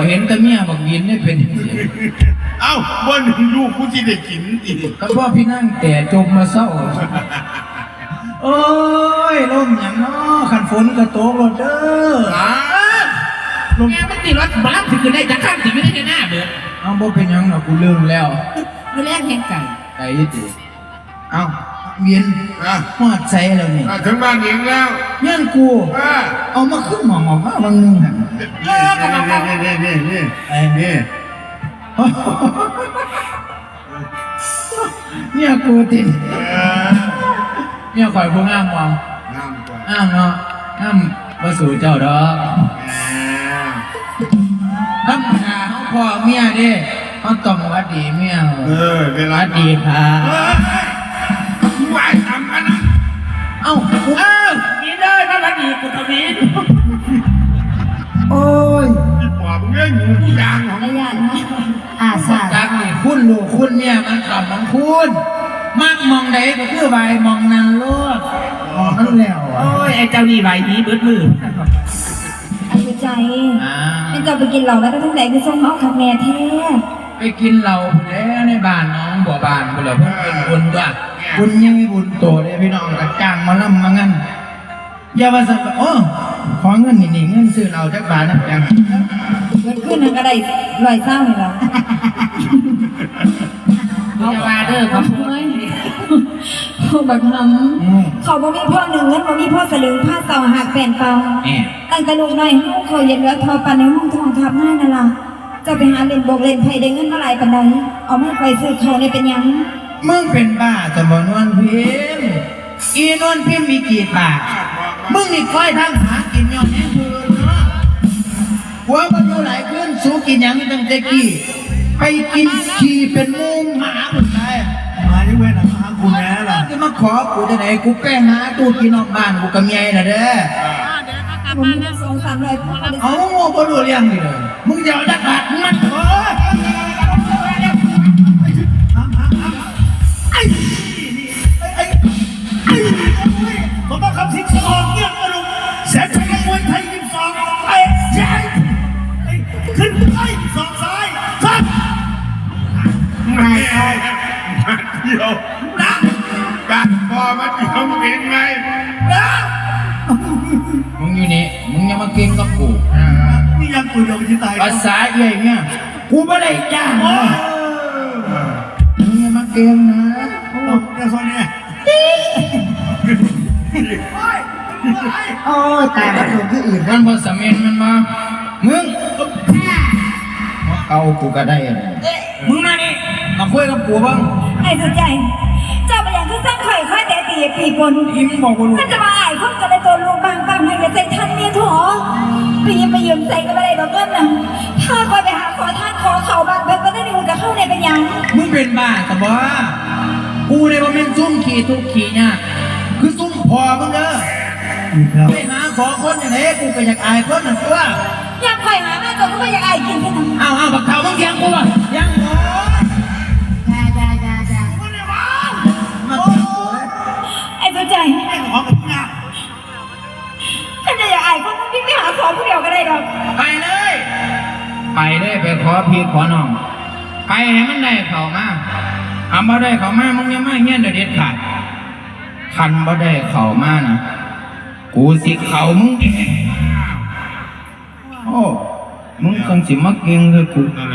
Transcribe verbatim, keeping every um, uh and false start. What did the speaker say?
เห็นแต่เมียบักยินนี่เป็นเอ้าบ่หนึ่งลูกกูที่ได้กินอีกก็พ่อพี่นั่งแต่จมมาเศร้าโอ้ยลมอย่างน้อขันฝนก็ตกรถเด้อลมแง่ไม่ตีรถบ้านถึงจะได้จะข้ามถึงไม่ได้หน้าเบิดเอาบ่เป็นยังหรอกกูลืมแล้วมือแรกแหงไก่ไก่ยี่ติเอาเวียนหอดใส่แล้วนี่ถึงบ้านเองแล้วเงี้ยกูเอามาขึ้นหมองออกมาบางนึงนี่นี่นี่นี่นี่นี่เนี่ยกูติดเนี่ยข่อยผู้งามมองงามกว่าอ้ามเนาะอ้ามมาสู่เจ้าดอกธรรมดาเขาพ่อเมียเด้เขาต้องวัดดีเมียเออเวลาวัดดีค่ะไหวทำกันนะเอ้าเออมีเลยมาวัดดีกูทวีโอ้ยปอบเงี้ยหนูยางของไม่ยากนะอาสาจากนี่คุณลูกคุณเนี่ยมันกลับมันคุณมากมองใดก็คือใบมองนันโลดมองนั่นแล้วโอ้ยไอ้เจ้านี่ใบนี้เบิดมือไอ้ใจไอ้เจ้าไปกินเหล้าแล้วก็ทั้งไหนคือส่งเอาขับแม่แท้ไปกินเหล้าแล้วในบ้านน้องบ่อบ้านบ่เหล่าเพิ่งเป็นบุญด้วยบุญยังไม่บุญโตเลยพี่น้องกระจ้างมาล่ำมางั้นอย่ามาสั่งโอ้ขอเงินนี่เงินซื้อเหล้าจักบาทนะยังเงินขึ้นนั่นก็ได้ลอยเศร้าเลยเหรอเอามาเด้อครับพ่อยพ่อบักหำเขาบ่มีพ่อหนึ่งเงินบ่มีพ่อสลึงผ้าเสาหักแผ่นเปล่าตั้งแต่ลูกน้อยห้องเขาเย็นเหลือทอปันในห้องทองทับหน้านั่นล่ะจะไปหาเล่นบกเล่นไพ่ได้เงินเมื่อไรปันใดเอาไม่ไปซื้อเขาในเป็นยังมึงเป็นบ้าจะบ่นวลพิมอีนวลพิมมีกี่ปากมึงนี่คอยทางหากินย้อนแห่งคืนเนาะหัวมันอยู่หลายคืนสู้กินยังตั้งแต่กี้ไปกินขี่เป็นมูหมาหมดเลยมาที่เว้นหากูแน่ล่ะจะมาขอกูจะไหนกูแป้หาตู้กินนอกบ้านกูกับเมียน่ะเด้อผมมีสองสามร้อยเอาโง่บ่รู้เรื่องนี่เลยมึงจะเอาจักบาทมันขอไอ้ไอ้ไอ้ผมต้องคำสิงสองเงี้ยกระดูกแสนชัยมวยไทยยิงสองไอ้ใช่ขึ้นไปสองซ้ายซ้ายไม่ใช่เดียวนะการพอมาเดียวเป็นไงนะมึงอยู่นี่มึงยังมาเก่งกับกูนี่ยังตัวเดียวที่ตายภาษาใหญ่เนี่ยกูไม่ได้จ้างมึงยังมาเก่งนะโอ้เดี๋ยวคนนี้โอ้ตายมาถูกที่อื่นมันพอสมัยมันมามึงเอากูก็ได้มึงมานี่มาคุยกับกูบ้างไอ้สุดใจเจ้าไปอย่างที่สร้างไข่ค่อยแต่ตีปีกนยิ้มบอกกูมันจะมาอ่ายคนจะได้ตัวลูกบางบางให้ใส่ท่านเมียถั่วไปยิ้มไปยืมใส่ก็ไม่ได้ดอกเงินนะถ้าคอยไปหาขอท่านขอเข่าบางเบิกก็ได้ดูกับเข้าในเป็นยังมึงเป็นบ้าแต่บ่กูในว่าเป็นซุ่มขี่ทุกขี่เนี่ยคือซุ่มพอมึงเด้อไปหาขอคนอย่างไรกูก็อยากอายคนนั่นตัวอยากคอยหาแม่ตัวก็ไม่อยากอายกินแค่นั้นอ้าวอ้าวบักเข่ามึงยังกูอ่ะยังโอ้ไอ้ตัวใจไอ้ขอกับพี่นะฉันจะอยากอายคนพี่ไม่หาขอผู้เดียวก็ได้ดอกไปเลยไปเลยไปขอพี่ขอน้องไปให้มันได้เข่ามาทำบ่ได้เข่ามามึงยังไม่เงี้ยเด็ดขาดคันบ่ได้เข่ามานะกูสิเข่ามึงเองโอ้มึงคงสิมาเก่งเลยกู